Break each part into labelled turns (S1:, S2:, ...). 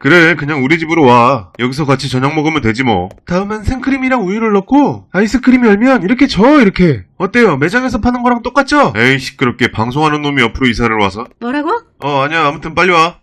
S1: 그래, 그냥 우리 집으로 와. 여기서 같이 저녁 먹으면 되지 뭐. 다음엔 생크림이랑 우유를 넣고 아이스크림 열면 이렇게 이렇게. 어때요? 매장에서 파는 거랑 똑같죠? 에이, 시끄럽게 방송하는 놈이 옆으로 이사를 와서.
S2: 뭐라고?
S1: 아니야. 아무튼 빨리 와.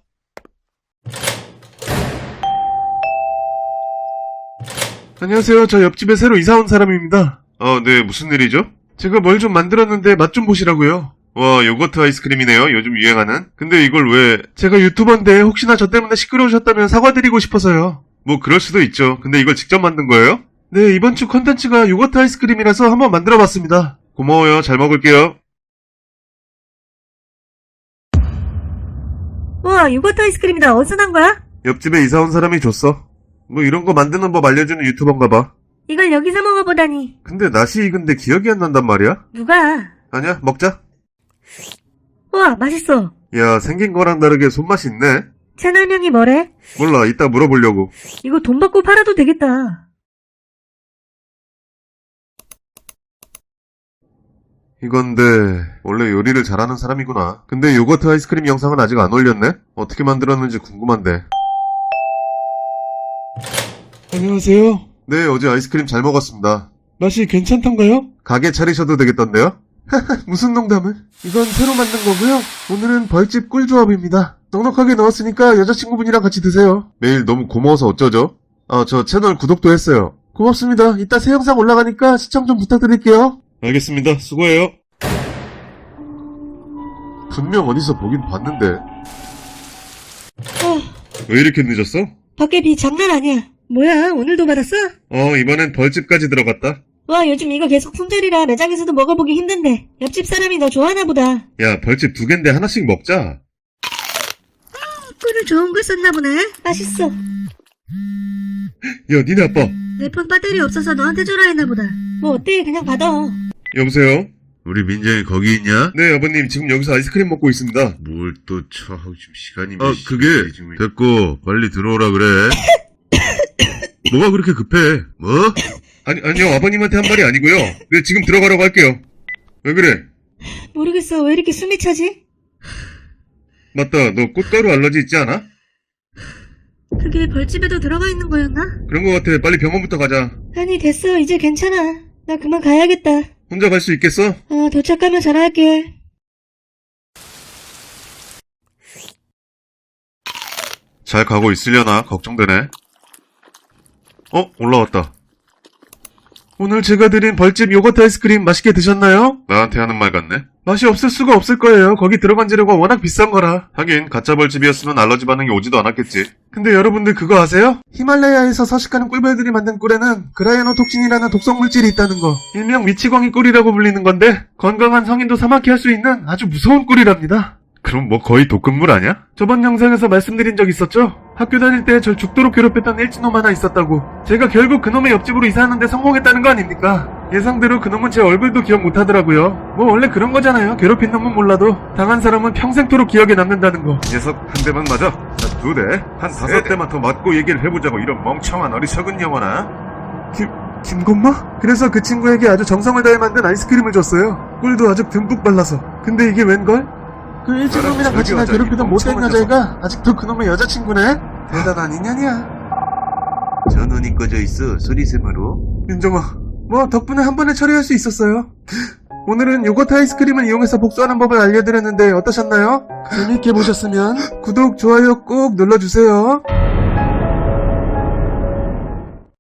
S1: 안녕하세요. 저 옆집에 새로 이사 온 사람입니다. 네. 무슨 일이죠? 제가 뭘 좀 만들었는데 맛 좀 보시라고요. 와, 요거트 아이스크림이네요. 요즘 유행하는. 근데 이걸 왜... 제가 유튜버인데 혹시나 저 때문에 시끄러우셨다면 사과드리고 싶어서요. 뭐 그럴 수도 있죠. 근데 이걸 직접 만든 거예요? 네, 이번 주 컨텐츠가 요거트 아이스크림이라서 한번 만들어봤습니다. 고마워요. 잘 먹을게요.
S2: 우와, 요거트 아이스크림이다. 어디서 난 거야?
S1: 옆집에 이사 온 사람이 줬어. 뭐 이런 거 만드는 법 알려주는 유튜버인가 봐.
S2: 이걸 여기서 먹어보다니.
S1: 근데 낯이 익은데 기억이 안 난단 말이야?
S2: 누가?
S1: 아니야, 먹자.
S2: 우와, 맛있어.
S1: 야, 생긴 거랑 다르게 손맛이 있네.
S2: 채널명이 뭐래?
S1: 몰라, 이따 물어보려고.
S2: 이거 돈 받고 팔아도 되겠다.
S1: 이건데 원래 요리를 잘하는 사람이구나. 근데 요거트 아이스크림 영상은 아직 안 올렸네? 어떻게 만들었는지 궁금한데. 안녕하세요. 네, 어제 아이스크림 잘 먹었습니다. 맛이 괜찮던가요? 가게 차리셔도 되겠던데요? 무슨 농담을? 이건 새로 만든 거고요. 오늘은 벌집 꿀조합입니다. 넉넉하게 넣었으니까 여자친구분이랑 같이 드세요. 매일 너무 고마워서 어쩌죠? 저 채널 구독도 했어요. 고맙습니다. 이따 새 영상 올라가니까 시청 좀 부탁드릴게요. 알겠습니다. 수고해요. 분명 어디서 보긴 봤는데. 왜 이렇게 늦었어?
S2: 밖에 비 장난 아니야. 뭐야, 오늘도 받았어?
S1: 이번엔 벌집까지 들어갔다.
S2: 와, 요즘 이거 계속 품절이라 매장에서도 먹어보기 힘든데 옆집 사람이 너 좋아하나 보다.
S1: 야, 벌집 2개인데 하나씩 먹자.
S2: 꿀을 좋은 걸 썼나 보네. 맛있어.
S1: 야, 니네 아빠.
S2: 내 폰 배터리 없어서 너한테 주라 했나 보다. 뭐 어때, 그냥 받아.
S1: 여보세요? 우리 민정이 거기 있냐? 네, 아버님. 지금 여기서 아이스크림 먹고 있습니다. 뭘 또 지금 시간이 몇 그게 됐고 빨리 들어오라 그래. 뭐가 그렇게 급해? 뭐? 아니요. 아버님한테 한 말이 아니고요. 네, 지금 들어가라고 할게요. 왜 그래?
S2: 모르겠어. 왜 이렇게 숨이 차지?
S1: 맞다. 너 꽃가루 알러지 있지 않아?
S2: 그게 벌집에도 들어가 있는 거였나?
S1: 그런 거 같아. 빨리 병원부터 가자.
S2: 아니, 됐어. 이제 괜찮아. 나 그만 가야겠다.
S1: 혼자 갈 수 있겠어?
S2: 도착하면 전화할게.
S1: 잘 가고 있으려나? 걱정되네. 올라왔다. 오늘 제가 드린 벌집 요거트 아이스크림 맛있게 드셨나요? 나한테 하는 말 같네. 맛이 없을 수가 없을 거예요. 거기 들어간 재료가 워낙 비싼 거라. 하긴 가짜 벌집이었으면 알러지 반응이 오지도 않았겠지. 근데 여러분들 그거 아세요? 히말라야에서 서식하는 꿀벌들이 만든 꿀에는 그라이아노톡신이라는 독성 물질이 있다는 거. 일명 미치광이 꿀이라고 불리는 건데 건강한 성인도 사막해 할 수 있는 아주 무서운 꿀이랍니다. 그럼 뭐 거의 독극물 아니야? 저번 영상에서 말씀드린 적 있었죠? 학교 다닐 때 절 죽도록 괴롭혔던 일진놈 하나 있었다고. 제가 결국 그놈의 옆집으로 이사하는데 성공했다는 거 아닙니까? 예상대로 그놈은 제 얼굴도 기억 못하더라고요. 뭐 원래 그런 거잖아요. 괴롭힌 놈은 몰라도 당한 사람은 평생토록 기억에 남는다는 거. 녀석 한 대만 맞아. 자, 2대, 한 5대만 더 맞고 얘기를 해보자고. 이런 멍청한 어리석은 영혼아. 김건마? 그래서 그 친구에게 아주 정성을 다해 만든 아이스크림을 줬어요. 꿀도 아주 듬뿍 발라서. 근데 이게 웬걸? 그 일진놈이랑 같이 날 괴롭히던 못된 여자애가 아직도 그놈의 여자친구네? 대단한 인연이야. 전원이 꺼져 있어. 소리샘으로. 민정아, 뭐 덕분에 한 번에 처리할 수 있었어요. 오늘은 요거트 아이스크림을 이용해서 복수하는 법을 알려드렸는데 어떠셨나요? 재미있게 보셨으면 구독, 좋아요 꼭 눌러주세요.